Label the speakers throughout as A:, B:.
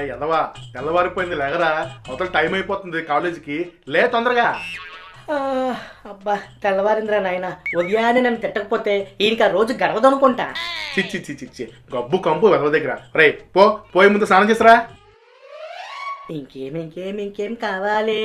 A: ఎదవా తెల్లవారిపోయింది లేగరా, అవతల టైం అయిపోతుంది కాలేజీకి, లే తొందరగా.
B: ఆ, అబ్బా తెల్లవారిందిరా నాయన. ఉదయాన్నే నన్ను తిట్టకపోతే ఈయనకి ఆ రోజు గడవదు అనుకుంటా.
A: చిచ్చి చిచ్చి చి గబ్బు కంపు వెదవ దగ్గర. రే పోయే ముందు స్నానం చేసరా.
B: ఇంకేం కావాలే,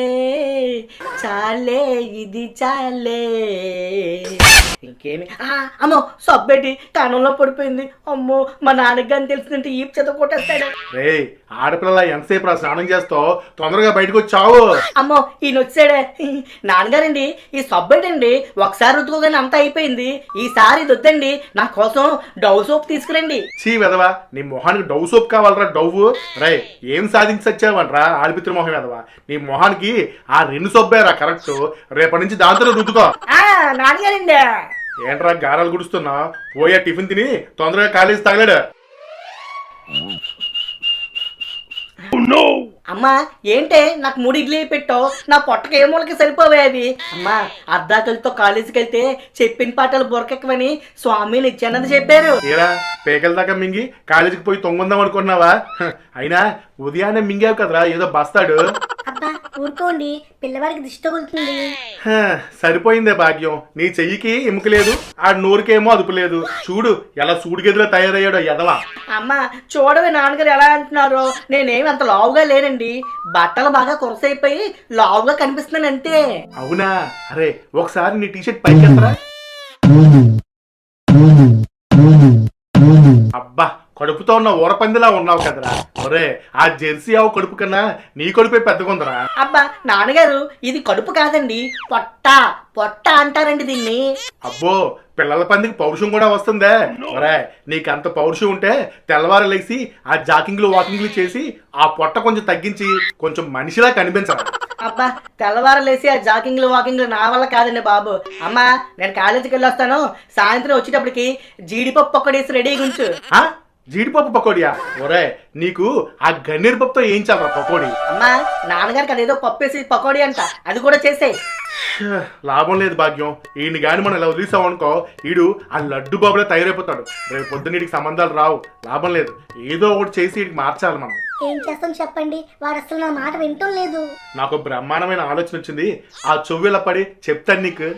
B: చాలే ఇది చాలే. ఇంకేమి అమ్మో సబ్బెట్టి కానంలో పడిపోయింది. అమ్మో మా నాన్నకి కానీ తెలిసిందంటే ఈ చేత కొట్టేస్తాడు.
A: రే ఆడపిల్ల ఎంతసేపు రా స్నానం చేస్తావు, తొందరగా బయటకు వచ్చావు.
B: అమ్మో ఈయన వచ్చాడే. నాన్నగారండి ఈ సబ్బెట్టండి ఒకసారి రుద్దుకోగానే అంతా అయిపోయింది, ఈసారి ఇది వద్దండి, నా కోసం డవ్ సోప్ తీసుకురండి.
A: చీ వెదవా, నీ మొహానికి డవ్ సోప్ కావాలరా డవ్. రే ఏం సాధించచ్చావనరా ఆడిపిత్ర మొహం వెదవా, నీ మొహానికి ఆ 2 సోప్పేరా కరెక్ట్. రేపటి నుంచి దాంతో రుద్దుకో.
B: నాన్నగారండి
A: ఏంట్రా గారాలు గుడుస్తున్నా, పోయా టిఫిన్ తిని తొందరగా కాలేజీ తగలాడు.
B: అమ్మా ఏంటే నాకు 3 ఇడ్లీ పెట్టావు, నా పొట్టకి ఏ మూలకి సరిపోవే అవి. అమ్మా అర్ధాకలితో కాలేజీకి వెళ్తే చెప్పిన పాటలు బొరకెక్కవని స్వామిని ఇచ్చానని చెప్పారు.
A: ఏరా పేకల దాకా మింగి కాలేజీకి పోయి తొంగుందాం అనుకున్నావా? అయినా ఉదయాన్నే మింగావు కదరా ఏదో బస్తాడు.
C: అబ్బా ఊరుకోండి, పిల్లవాడికి దిష్టి తగులుతుంది.
A: సరిపోయిందే భాగ్యం, నీ చెయ్యికి ఎముక లేదు, ఆ నోరుకేమో అదుపు లేదు. చూడు ఎలా సూడిగదిలో తయారయ్యాడో ఎదవా.
B: అమ్మా చూడవే నాన్నగారు ఎలా అంటున్నారో, నేనేమి అంత లావుగా లేనండి, బట్టలు బాగా కొరసైపోయి లావుగా కనిపిస్తున్నాను అంతే.
A: అవునా? అరే ఒకసారి నీ టీషర్ట్ పైకి ఎత్తరా. అబ్బా కడుపుతో ఉన్న ఊరపందిలా ఉన్నావు కదరా. ఒరే ఆ జెర్సీ ఆవు కడుపు కన్నా నీ కడుపే పెద్దగుందరా.
B: అబ్బా నాన్నగారు ఇది కడుపు కాదండి, పొట్ట పొట్ట అంటారండి దీన్ని.
A: అబ్బో పిల్లల పందికి పౌరుషం కూడా వస్తుందే. ఒరే నీకంత పౌరుషం ఉంటే తెల్లవారు లేసి ఆ జాకింగ్లు వాకింగ్లు చేసి ఆ పొట్ట కొంచెం తగ్గించి కొంచెం మనిషిలా కనిపించరా.
B: అబ్బా తెల్లవారలేసి ఆ జాకింగ్లు వాకింగ్లు నా వల్ల కాదండి బాబు. అమ్మా నేను కాలేజీకి వెళ్ళొస్తాను, సాయంత్రం వచ్చేటప్పటికి జీడిపప్పు ఒక్కడేసి రెడీగా ఉంచు.
A: జీడిపప్పు పకోడియా? ఒరే నీకు ఆ గన్నేరు పప్పుతో ఏం చాలరా పకోడీ.
B: అమ్మా నాన్నగారికి అదేదో పప్పు వేసి పకోడీ అంట, అది కూడా చేసే.
A: లాభం లేదు భాగ్యం, ఈయన గాని మనం ఇలా వదిలేసామనుకో ఈడు ఆ లడ్డు బాబులే తయారైపోతాడు. రేపు పొద్దున్న వీడికి సంబంధాలు రావు, లాభం లేదు, ఏదో ఒకటి చేసి వీడికి మార్చాలి మనం.
C: ఏం చేస్తాం చెప్పండి, వాడు అసలు నా మాట వింటం లేదు.
A: నాకు బ్రహ్మాండమైన ఆలోచన వచ్చింది, ఆ చెవుల పడి చెప్తాను నీకు.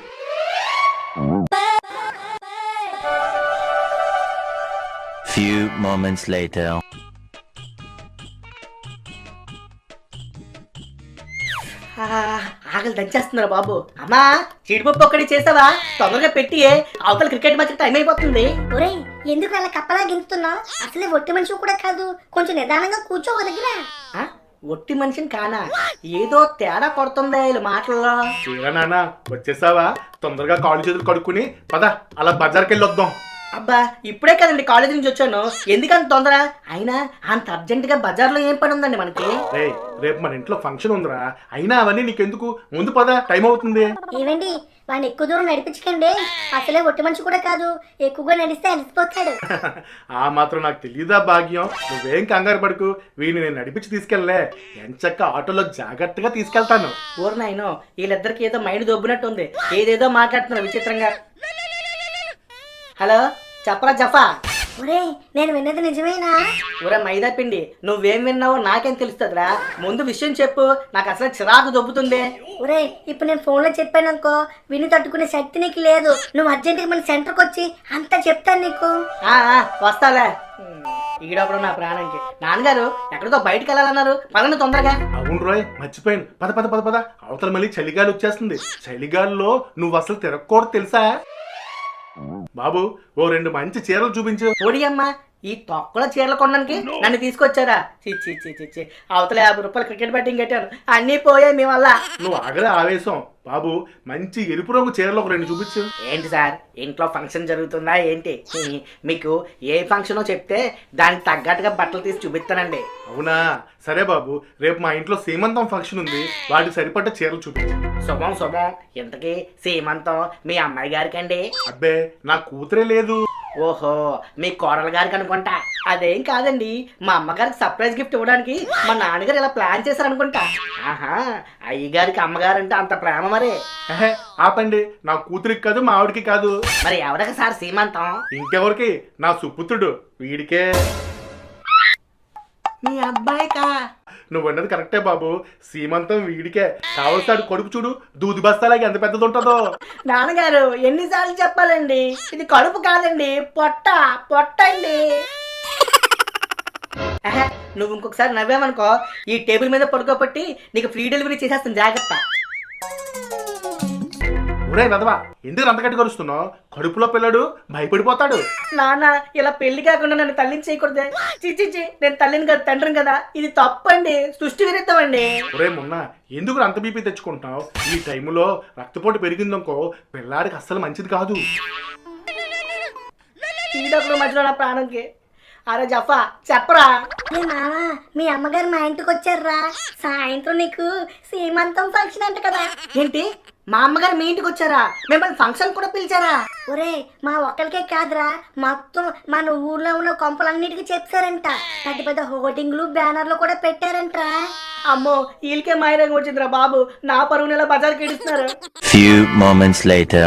D: Few moments later.
B: ఆకలి దంచేస్తున్నారు బాబు. అమ్మా జీడిపప్పు ఒక్కడి చేసావా, తొందరగా పెట్టియే, అవతల క్రికెట్ మ్యాచ్ టైం అయిపోతుంది.
C: ఒరేయ్ ఎందుకు అలా కప్పలా గింతున్నావు, అసలే ఒట్టి మనిషి కూడా కాదు, కొంచెం నిదానంగా కూర్చో ఒక దగ్గర.
B: ఒట్టి మనిషిని కానా, ఏదో తేడా కొడుతుందా వీళ్ళ మాటల్లో.
A: నాన్న వచ్చేసావా, తొందరగా కాళ్ళు చేతులు కడుక్కుని పద అలా బజార్కి వెళ్ళి వద్దాం.
B: అబ్బా ఇప్పుడే కదండి కాలేజీ నుంచి వచ్చాను, ఎందుకంత తొందర? అయినా అంత అర్జెంట్ గా బజార్లో ఏం పని ఉందండి మనకి?
A: రేపు మన ఇంట్లో ఫంక్షన్ ఉందిరా, అయినా అవన్నీ నీకెందుకు, ముందు పద టైం అవుతుంది.
C: ఏవండి వాడిని ఎక్కువ దూరం నడిపించకండి, అసలే ఒట్టి మనిషి కూడా కాదు, ఎక్కువగా నడిస్తే అలసిపోతాడు.
A: ఆ మాత్రం నాకు తెలియదా భాగ్యం, నువ్వేం కంగారు పడుకు, వీడిని నేను నడిపించి తీసుకెళ్ళలే, ఎంచక్క ఆటోలో జాగ్రత్తగా తీసుకెళ్తాను.
B: ఊరినాయనో వీళ్ళిద్దరికి ఏదో మైండ్ దొబ్బినట్టు ఉంది, ఏదేదో మాట్లాడుతున్నారు విచిత్రంగా. హలో చెప్పరా జఫా.
C: ఒరే నేను విన్నది నిజమేనా?
B: ఒరే మైదా పిండి, నువ్వేం విన్నావో నాకేం తెలుస్తుందిరా, ముందు విషయం చెప్పు, నాకు అసలు చిరాకు దొబ్బుతుంది.
C: ఒరే ఇప్పుడు నేను ఫోన్ లో చెప్పాను అనుకో, విని తట్టుకునే శక్తి నీకు లేదు, నువ్వు అర్జెంట్ గా మన సెంటర్కి వచ్చి అంతా చెప్తాను నీకు.
B: వస్తాలే, ఈడప్పుడు నా ప్రాణానికి. నాన్నగారు ఎక్కడికో బయటకు వెళ్ళాలన్నారు, పదండి తొందరగా.
A: అవును రోయ్ మర్చిపోయాను, పద పద పద పద. అవతల మళ్ళీ చలిగాలి వచ్చేస్తుంది, చలిగాలిలో నువ్వు అసలు తిరగకూడదు తెలుసా. బాబు ఓ 2 మంచి చీరలు చూపించు.
B: ఓడియమ్మా ఈ తొక్కల చీరలు కొనడానికి నన్ను తీసుకొచ్చారా? చిచ్చి చిచ్చి, అవతల 50 రూపాయలు క్రికెట్ బ్యాటింగ్ కట్టాను, అన్నీ పోయాయి మీ వల్ల.
A: నువ్వు ఆగలే ఆవేశం. బాబు మంచి ఎరుపు రంగు చీరలు ఒక 2 చూపించు.
B: ఏంటి సార్ ఇంట్లో ఫంక్షన్ జరుగుతుందా ఏంటి? మీకు ఏ ఫంక్షనో చెప్తే దానికి తగ్గట్టుగా బట్టలు తీసి చూపిస్తానండి.
A: అవునా సరే బాబు, రేపు మా ఇంట్లో సీమంతం ఫంక్షన్ ఉంది, వాటికి సరిపడ్డ చీరలు చూపించు.
B: శుభం శుభం. ఇంతకీ సీమంతం మీ అమ్మాయి గారికండి?
A: అబ్బే నా కూతురే లేదు.
B: ఓహో మీ కోడలు గారికి అనుకుంటా. అదేం కాదండి, మా అమ్మగారికి సర్ప్రైజ్ గిఫ్ట్ ఇవ్వడానికి మా నాన్నగారు ఇలా ప్లాన్ చేశారు అనుకుంటా. ఆహా అయ్యగారికి అమ్మగారు అంటే అంత ప్రేమ మరి.
A: ఆపండి, నా కూతురికి కాదు మా ఆవిడికి కాదు.
B: మరి ఎవరికి సార్ సీమంతం?
A: ఇంకెవరికి, నా సుపుత్రుడు వీడికే.
B: మీ అబ్బాయికా?
A: నువ్వు అన్నది కరెక్టే బాబు. సీమంతం వీడికే కావలసాడు. కొడుకు చూడు దూది బస్తాలాగి ఎంత పెద్దది ఉంటుందో.
B: నాన్నగారు ఎన్నిసార్లు చెప్పాలండి, ఇది కడుపు కాదండి, పొట్ట పొట్ట అండి. ఆహా, నువ్వు ఇంకొకసారి నవ్వామనుకో ఈ టేబుల్ మీద పడుకోబట్టి నీకు ఫ్రీ డెలివరీ చేసేస్తాను, జాగ్రత్త.
A: ఒరే వెదవా, ఎందుకు అంత గట్టి కరుస్తున్నావు? కడుపులో పిల్లడు భయపడిపోతాడు.
B: నాన్న ఇలా పెళ్లి కాకుండా నన్ను తల్లిని చేయకూడదే. చిచ్చి, నేను తల్లిని కదా తండ్రిని కదా, ఇది తప్పండి, సృష్టి విరుద్ధం అండి.
A: ఒరే మొన్న ఎందుకు అంత బీపీ తెచ్చుకుంటున్నావు? ఈ టైంలో రక్తపోటు పెరిగిందనుకో పిల్లాడికి అస్సలు మంచిది కాదు.
B: ఈ డబ్బుల మధ్యలో నా ప్రాణంకి. అరే జఫా చెప్పరా.
C: ఏ మావా, మీ అమ్మగారు మా ఇంటికి వచ్చారా? సాయంత్రం నీకు సీమంతం ఫంక్షన్ అంట కదా.
B: ఏంటి, మా అమ్మగారు మీ ఇంటికి వచ్చారా? మిమ్మల్ని ఫంక్షన్ కూడా పిలిచారా?
C: ఒరే, మా ఒక్కరికే కాదురా, మొత్తం మన ఊర్లో ఉన్న కొంపలన్నిటికీ చెప్పారంట. పెద్ద పెద్ద హోర్డింగ్లు బ్యానర్లు కూడా పెట్టారంట్రా.
B: అమ్మో, వీళ్ళకే మాయరంగం వచ్చిందిరా బాబు, నా పరువుని ఎలా బజార్కి ఇడుస్తున్నారు.
D: Few moments later.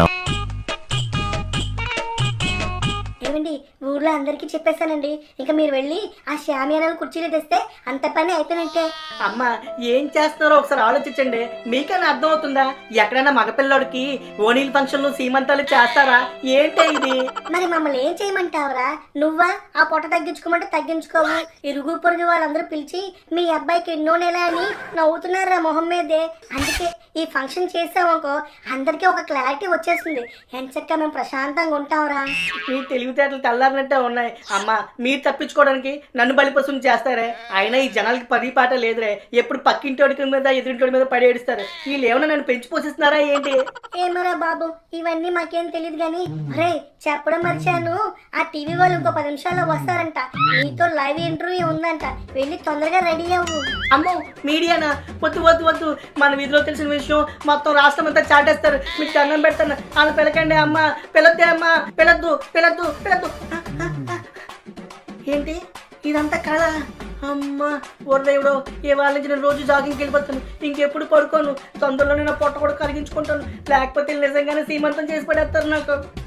C: ఏమండి, ఊర్లో అందరికీ చెప్పేశానండి. ఇంకా మీరు వెళ్ళి ఆ షామియానాలు కుర్చీలు తెస్తే అంత పని అయిపోయినట్టే.
B: అమ్మ ఏం చేస్తున్నారో ఒకసారి ఆలోచించండి. మీకైనా అర్థం అవుతుందా? ఎక్కడైనా మగపిల్లోడికి ఓనీల్ ఫంక్షన్లు సీమంతాలు చేస్తారా? ఏంటే ఇది?
C: మరి మమ్మల్ని ఏం చేయమంటావురా? నువ్వా ఆ పొట్ట తగ్గించుకోమంటే తగ్గించుకోవు. ఇరుగు పొరుగు వాళ్ళందరూ పిలిచి మీ అబ్బాయికి ఎన్నో నెల అని నవ్వుతున్నారా మొహం మీదే. అందుకే ఈ ఫంక్షన్ చేసామనుకో అందరికీ ఒక క్లారిటీ వచ్చేస్తుంది. ఎంచక్క మేము ప్రశాంతంగా ఉంటాంరా.
B: మీ తెలివితేటలు తెల్లారినట్టే ఉన్నాయి. అమ్మ మీరు తప్పించుకోవడానికి నన్ను బలిపశుని చేస్తారే. అయినా ఈ జనాలకి పది పాట లేదురే, ఎప్పుడు పక్కింటోడి మీద ఎదురింటోడి మీద పడి ఏడుస్తారు. వీళ్ళు ఏమన్నా నన్ను పెంచి పోషిస్తున్నారా ఏంటి?
C: ఏమరా బాబు, ఇవన్నీ మాకేం తెలియదు గాని రే చెప్పడం మర్చాను. ఆ టీవీ వాళ్ళు ఇంకో 10 నిమిషాల్లో వస్తారంట. నీతో లైవ్ ఇంటర్వ్యూ ఉందంట. వెళ్ళి తొందరగా రెడీ అవ్వు.
B: అమ్మో మీడియానా? వద్దు వద్దు వద్దు, మన వీధిలో తెలిసిన విషయం మొత్తం రాష్ట్రం అంతా చాటేస్తారు. మీకు దండం పెడతాను, ఆమె పిలకండి అమ్మ, పిలద్దే అమ్మ, పిలద్దు పిలద్దు పిలద్దు. ఏంటి ఇదంతా కళ? అమ్మ దేవుడు, ఏ వాళ్ళ నుంచి నేను రోజు జాగింగ్కి వెళ్ళిపోతాను, ఇంకెప్పుడు పడుకోను. తొందరలోనే నా పొట్ట కూడా కరిగించుకుంటాను, లేకపోతే నిజంగానే సీమంతం చేసి పడేస్తారు నాకు.